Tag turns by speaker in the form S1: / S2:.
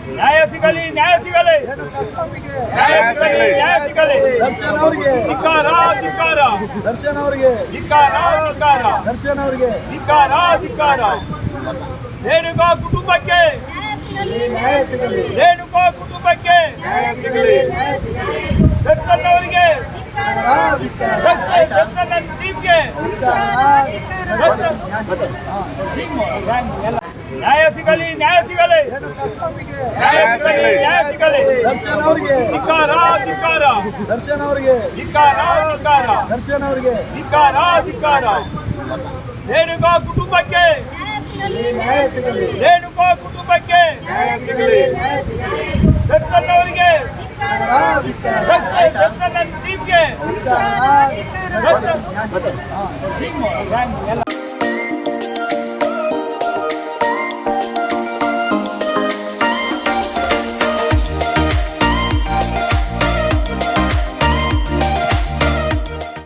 S1: ನ್ಯಾಯ ಸಿಗಲಿ, ನ್ಯಾಯ ಸಿಗಲಿ, ನ್ಯಾಯ ಸಿಗಲಿ, ನ್ಯಾಯ ಸಿಗಲಿ.
S2: ದರ್ಶನ್ ಅವರಿಗೆ
S1: ಧಿಕ್ಕಾರ, ಧಿಕ್ಕಾರ,
S2: ದರ್ಶನ್ ಅವರಿಗೆ
S1: ಧಿಕ್ಕಾರ, ಧಿಕ್ಕಾರ,
S2: ದರ್ಶನ್ ಅವರಿಗೆ
S1: ಧಿಕ್ಕಾರ, ಧಿಕ್ಕಾರ. ರೇಣುಕಾ ಕುಟುಂಬಕ್ಕೆ,
S2: ನ್ಯಾಯ ಸಿಗಲಿ,
S1: ರೇಣುಕಾ ಕುಟುಂಬಕ್ಕೆ, ದರ್ಶನ್ ಅವರಿಗೆ, ದರ್ಶನ್ ಟೀಮ್ಗೆ ನ್ಯಾಯ ಸಿಗಲಿ, ನ್ಯಾಯ ಸಿಗಲಿ, ನ್ಯಾಯ ಸಿಗಲಿ, ನ್ಯಾಯ ಸಿಗಲಿ.
S2: ದರ್ಶನ್ ಅವರಿಗೆ
S1: ಧಿಕ್ಕಾರ, ಧಿಕ್ಕಾರ,
S2: ದರ್ಶನ್ ಅವರಿಗೆ
S1: ಧಿಕ್ಕಾರ, ಧಿಕ್ಕಾರ,
S2: ದರ್ಶನ್ ಅವರಿಗೆ
S1: ಧಿಕ್ಕಾರ, ಧಿಕ್ಕಾರ. ರೇಣುಕಾ ಕುಟುಂಬಕ್ಕೆ,
S2: ನ್ಯಾಯ ಸಿಗಲಿ,
S1: ರೇಣುಕಾ ಕುಟುಂಬಕ್ಕೆ, ದರ್ಶನ್ ಅವರಿಗೆ, ದರ್ಶನ್ ಟೀಮ್ಗೆ ಟೀಮ್ ಎಲ್ಲ